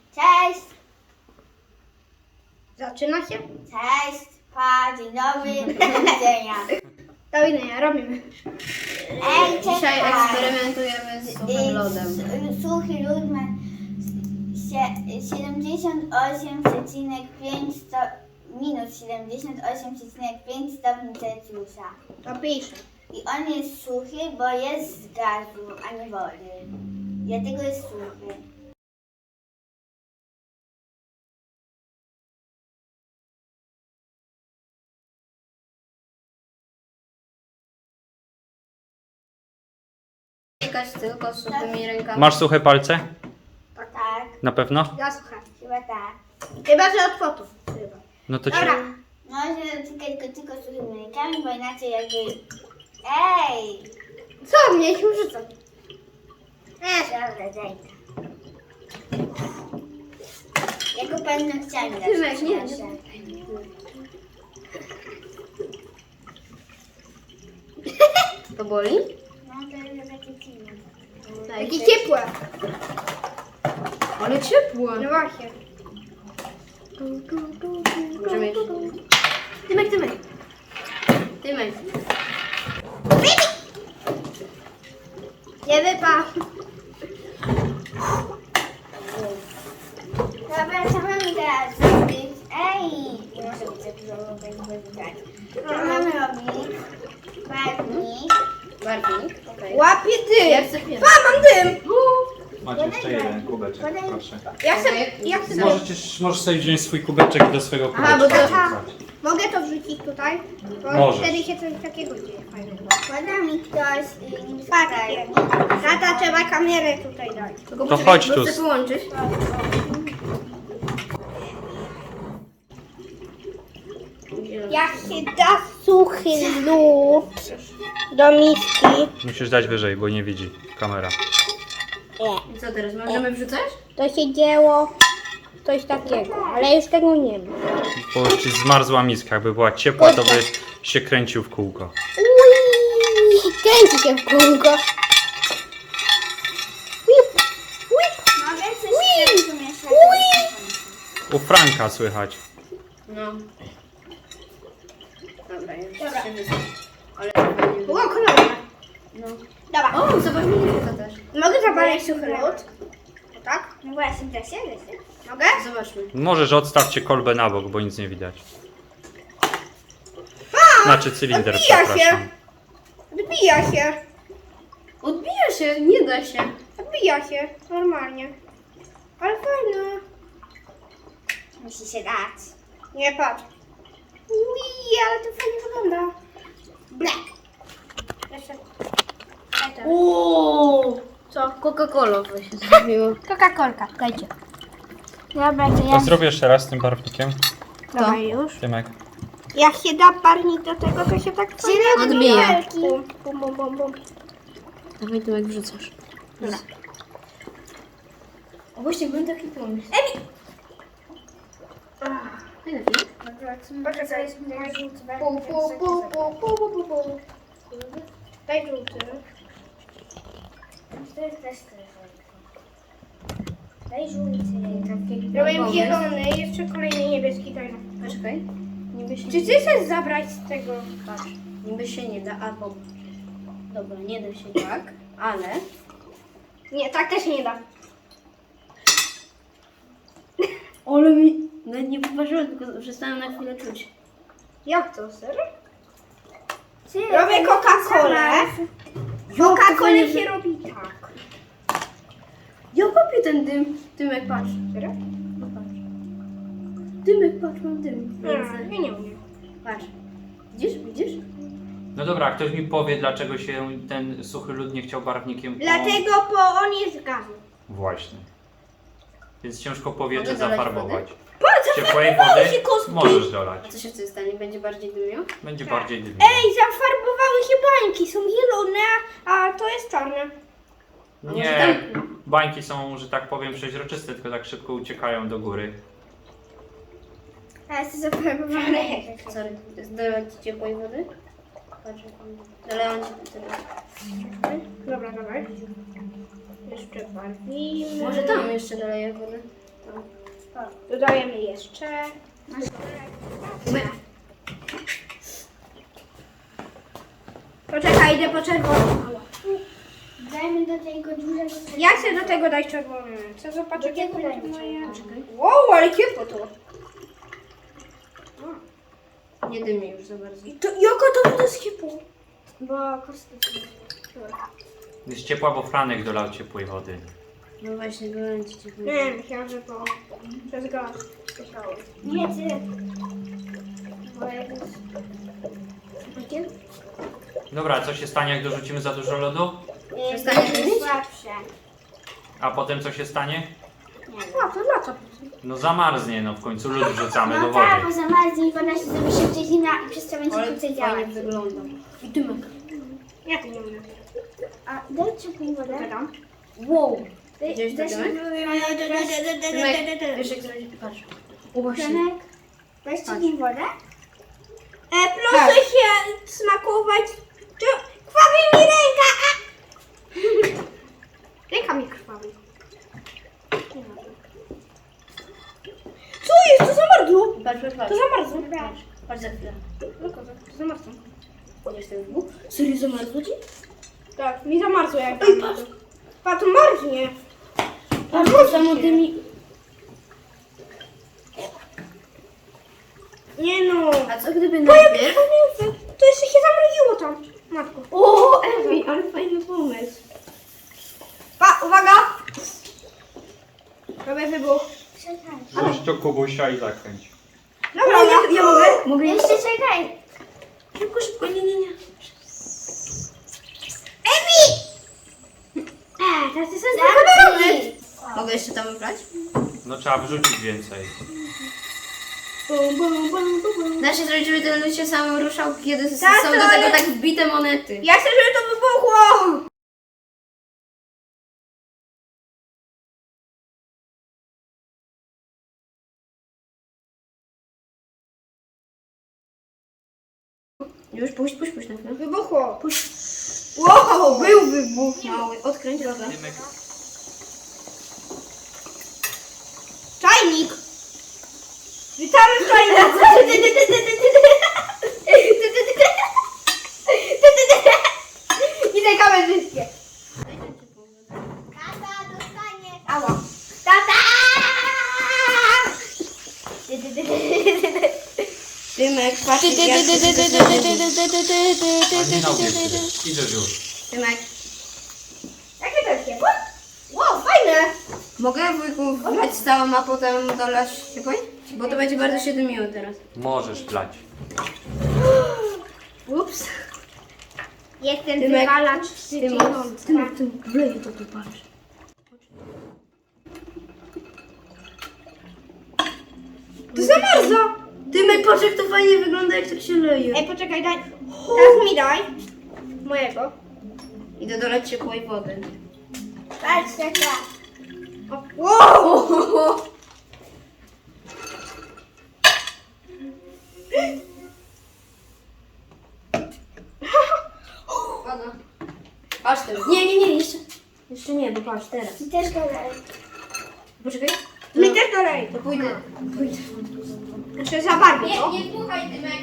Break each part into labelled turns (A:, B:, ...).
A: Cześć!
B: Zaczyna się?
A: Cześć! Pa, dzień dobry, do widzenia.
B: Do widzenia, robimy.
A: Ej, cześć!
C: Dzisiaj eksperymentujemy z suchym lodem.
A: Suchy lód ma 78,5 minus 78,5 stopni Celsjusza.
B: To piszę.
A: I on jest suchy, bo jest z gazu, a nie wody. Dlatego jest suchy.
C: Dotykać tylko suchymi rękami.
D: Masz suche palce?
A: Tak,
D: Na pewno?
B: Ja słuchaj.
A: chyba tak.
B: Chyba, że od fotów. Chyba.
D: No to ci...
B: Dobra.
A: Może dotykać go tylko suchymi rękami, bo inaczej jakby... Ej!
B: Co mnie się rzucą?
A: Dobra, daj to. Ja go paznokciami
B: Tymek,
A: zawsze
B: nie,
A: proszę.
C: To boli?
A: No to jest takie dziwne.
B: Jakie ciepłe.
C: Ale ciepłe.
B: No właśnie.
C: Możemy jeszcze...
B: Tymek, Tymek.
C: Tymek.
B: Nie wypał.
A: Dobra, co mamy teraz zrobić? Ej! Nie może być za dużo, bo będzie widać. Co mamy robić? Barwnik.
C: Barwnik. Okej.
B: Łapie dym.
C: Ja chcę pierwszy.
B: Pa, mam dym.
D: Macie jeszcze jeden kubeczek, proszę.
B: Ja chcę
D: Możesz sobie wziąć swój kubeczek i do swojego kubeczka
C: Aha, bo to-
D: wrzucać.
B: Mogę to wrzucić tutaj? Bo
D: Możesz.
B: wtedy się coś takiego dzieje fajnego.
A: Poda mi ktoś
B: Patrzcie. Tata, trzeba kamerę tutaj dać.
C: Tylko
D: To
C: poczekaj,
D: chodź
C: bo
D: tu.
C: chcę połączyć.
B: Jak się da suchy lód do miski,
D: Musisz dać wyżej, bo nie widzi kamera.
C: I co teraz? Możemy wrzucać?
B: to się dzieło coś takiego, ale już tego nie ma.
D: Bo już ci zmarzła miska, jakby była ciepła, to by się kręcił w kółko.
B: Ui, kręci się w kółko.
A: Mogę coś z tym pomieszać?
D: U Franka słychać.
C: No. Dobra, już
B: Dobra.
C: się wysłać. Ale chyba nie
B: Było kolorowe.
C: No.
B: Dobra,
C: O, zobacz, mnie to też.
B: mogę zapalić suchy lód? O tak?
A: No właśnie, da się.
B: Mogę?
C: Zobaczmy.
D: Możesz odstawcie kolbę na bok, bo nic nie widać. Znaczy cylinder,
B: odbija się.
D: przepraszam.
B: Odbija się.
C: Odbija się, nie da się.
B: Odbija się, normalnie. Ale fajne.
A: Musi się dać.
B: Nie, patrz. Ui, ale to fajnie wygląda. Ble. Jeszcze. Daj to.
C: Uuu. Co? Coca-Cola się zrobiło.
B: Coca-Colka, dajcie. Dobra, to
D: To zrobię jeszcze raz z tym barwnikiem.
B: Dobra, już.
D: Tymek.
B: Jak się da barwnik do tego, to się tak fajnie
C: Odbija.
B: Bum, bum, bum, bum, bum.
C: Dawaj, Tymek, wrzucasz.
B: Dobra.
C: O, właśnie, był taki pomysł. Najlepiej.
B: Pu, pu, pu, pu, pu, pu, pu, pu. Daj żółty.
A: To jest też daj żółty.
B: Robię zielony, jeszcze kolejny niebieski, daj.
C: Poczekaj. Niby się
B: Czy ty chcesz zabrać z tego?
C: Patrz, niby się nie da, albo... Dobra, nie da się tak, ale...
B: Nie, tak też nie da.
C: Ale mi... Nawet nie poważyłem, tylko przestałem na chwilę czuć.
B: Jak to, serio? Robię Coca-Colę. Coca-Colę się robi tak.
C: Ja kopię ten dym. Dymek, patrz.
B: Serio?
C: No patrz. Dymek, patrz, mam dym.
B: Ja nie umiem.
C: Patrz. Widzisz? Widzisz?
D: No dobra, ktoś mi powie, dlaczego się ten suchy lód nie chciał barwnikiem
B: Dlatego, bo on jest z gazu.
D: Właśnie. Więc ciężko powietrze
C: Mogę dolać
D: zafarbować.
B: Patrz,
D: Ciepłej
B: zafarbowały
D: wody
B: się kostki.
D: możesz dolać.
C: A co się wtedy stanie? Będzie bardziej dymiał?
D: Będzie
B: Tak.
D: bardziej dymnie.
B: Ej, zafarbowały się bańki, są zielone, a to jest czarne.
D: Nie, bańki są, że tak powiem, przeźroczyste, tylko tak szybko uciekają do góry.
B: A jest zafarbowane.
C: Sorry, dolać ci ciepłej wody? Patrz, dolewam ci tyle.
B: Dobra, dobra. Jeszcze bardziej.
C: Może tam jeszcze doleję wody.
B: Dodajemy jeszcze. Poczekaj, idę po czerwonym.
A: Dajmy do tego dużego.
B: Ja chcę do tego dać czerwony. Chcę zobaczyć,
A: Do
B: jak
A: tego
B: będzie
A: dajmy
B: moje.
A: czerwony.
B: Wow, ale ciepło to.
C: Nie dymi już za bardzo.
B: Jaka to woda z ciepło?
A: Bo kosmetyki.
D: Jest ciepła, bo Franek dolał ciepłej wody.
C: No właśnie, byłem ci ciepły.
B: Nie, myślałam, że to przez gaz. Myślałem.
A: Nie ty. Bo jakoś...
D: Dobra, co się stanie, jak dorzucimy za dużo lodu?
C: Przestanie dymić?
A: Słabsze.
D: A potem co się stanie?
B: A, to dla co?
D: No zamarznie, no w końcu lód wrzucamy do
A: No tak, bo
D: wody.
A: zamarznie i woda się zrobi szybciej zimna i przez to będzie
C: Ale
A: krócej
C: fajnie
A: działać.
C: wygląda. I dymek.
B: Ja to nie umiem.
A: A daj ciepłą wodę.
B: Dodam.
C: Wow.
A: Daj
C: Widziałeś to
A: daj
C: dymek? Dymek, wiesz jak zrobić? Patrz. O właśnie.
A: Franek, weź ciepłą wodę.
B: Proszę się smakować. Krwawi mi ręka! Ręka mi krwawi. Co jest? To zamarzło.
C: Patrz, patrz, patrz.
B: To zamarzło.
C: Patrz, patrz za chwilę.
B: No kozak, to zamarzło.
C: Jest ten dwóch. Serio zamarzło ci?
B: Tak, mi zamarzło jak tam. Pa, to marznie.
C: Patrz, to samo dymi.
B: Nie no.
C: A co gdyby
B: To jak
C: najpierw...
B: to jeszcze się zamroziło tam. Matko.
C: O, Ewi, ale fajny pomysł.
B: Pa, uwaga. Robię wybuch.
A: Czekaj.
D: Wrzuć to Kubusia i zakręć.
B: Dobra, ja mogę?
C: Mogę
A: Jeszcze czekaj.
C: Szybko, szybko, nie, nie, nie.
B: Teraz jest
A: Zamknij.
C: Mogę jeszcze tam wybrać?
D: No trzeba wrzucić więcej.
C: Da się zrobić, żeby ten lód się sam ruszał, kiedy
B: Tak,
C: są
B: to
C: do tego
B: ale-
C: tak wbite monety.
B: Ja chcę, żeby to wybuchło.
C: Już puść na chwilę.
B: Wybuchło. Wow, był wybuch.
C: Mały, odkręć logo.
D: Dymek.
B: Czajnik. Witamy w czajniku. Witaj kamerzyskie.
A: Tata dostanie.
B: Ała.
A: Tata!
C: Dymek, patrz.
D: Alina ubierze. Idziesz już.
C: Dymek.
B: Jakie to jest ciepło? Wow, fajne.
C: Mogę wujku wlać całą, a potem dolać ciepłej? Bo to będzie bardzo się dymiło teraz.
D: Możesz plać.
B: Ups. Jestem
C: Dymek.
B: wywalacz
C: Dymek, wleję to tu, patrz.
B: To zamarza.
C: Dymek, patrz jak to fajnie wygląda, jak tak się leje.
B: Ej, poczekaj, daj. Teraz mi daj. Mojego.
C: Idę dolać ciepłej wody.
A: Patrz, tata.
B: Wow.
C: Woda. Patrz teraz. Nie, jeszcze. Jeszcze nie, bo patrz teraz.
A: I też go daj.
C: Poczekaj.
B: Mi też dalej.
C: To pójdę.
B: Muszę zabarwić to.
C: Nie dmuchaj, Dymek.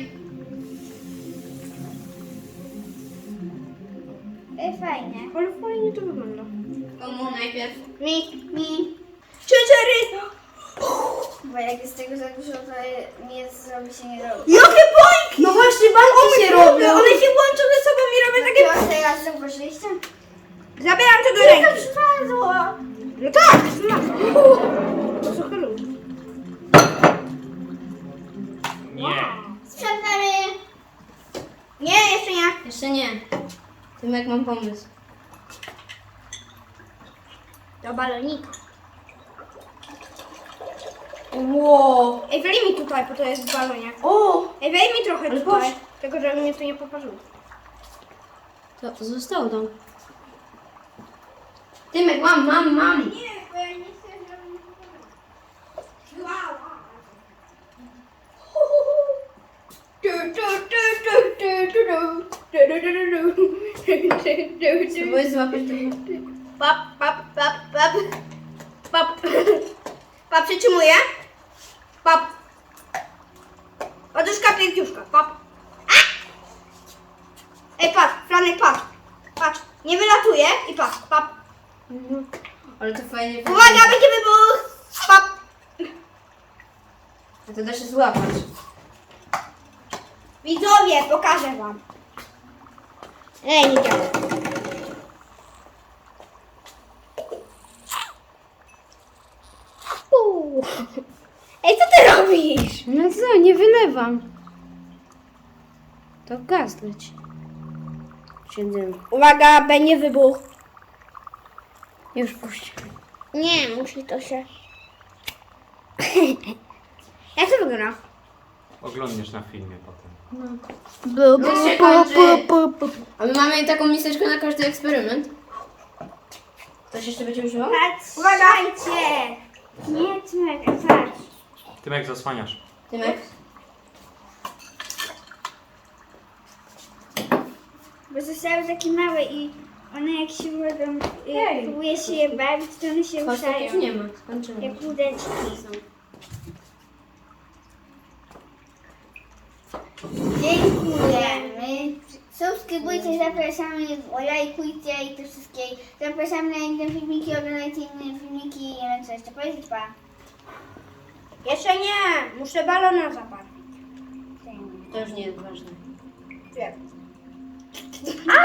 A: Fajnie.
B: Ale fajnie to wygląda.
C: Komu najpierw?
A: Mi.
B: 3-4.
A: Bo jak jest tego za dużo, to nie zrobi się nie robi.
B: Jakie bańki!
C: No właśnie, bańki się robią.
B: One się łączą ze sobą i robią takie...
A: Takiego teraz zauważyliście?
B: Zabieram to do
A: To
B: ręki.
A: przypadło.
B: No tak, to trochę luz.
D: Nie.
A: Sprzątamy.
B: Nie, jeszcze nie.
C: Jeszcze nie. Dymek, mam pomysł.
B: Do balonika.
C: Wow.
B: Ej, wlej mi tutaj, bo to jest w balonie.
C: O!
B: Ej, wlej mi trochę
C: Ale
B: tutaj.
C: patrz.
B: Tylko, żeby mnie to nie poparzyło.
C: To zostało tam. Dymek, mam.
B: Nie, bo ja nie chcę, żeby mi poparzyło. Wow.
C: Spróbuję złapać tego.
B: Pap, pap, pap, pap. Pap. Pap, przytrzymuję. Pap. Poduszka, piękniuszka. Pap. A! Ej, patrz, Franek, patrz. Patrz, nie wylatuje i patrz, pap.
C: Ale to fajnie.
B: Uwaga, będzie wybuch. Pap.
C: A to da się złapać.
B: Widzowie, pokażę wam. Ej, nie działa. Ej, co ty robisz?
C: No co, nie wylewam. To gaz leci. Siedzimy.
B: Uwaga, będzie wybuch.
C: Już puść.
B: Nie, musi to się... Jak to wygląda?
D: Oglądniesz na filmie potem.
C: Już się kończy. A my mamy taką miseczkę na każdy eksperyment. Ktoś jeszcze będzie używał?
A: Patrzcie! Nie, Tymek, patrz.
D: Tymek, zasłaniasz.
C: Tymek?
A: Bo zostały takie małe i one jak się wodą, próbuje się je bawić, to one się
C: Chodź, tak już
A: ruszają.
C: nie ma. Skończymy.
A: Jak łódeczki są. Dziękujemy. Subskrybujcie, zapraszamy, lajkujcie i te wszystkie. Zapraszamy na inne filmiki, oglądajcie inne filmiki. Nie wiem co jeszcze powiedzieć, pa.
B: Jeszcze nie, muszę balona zabarwić.
C: To już nie jest ważne.
B: Wiem.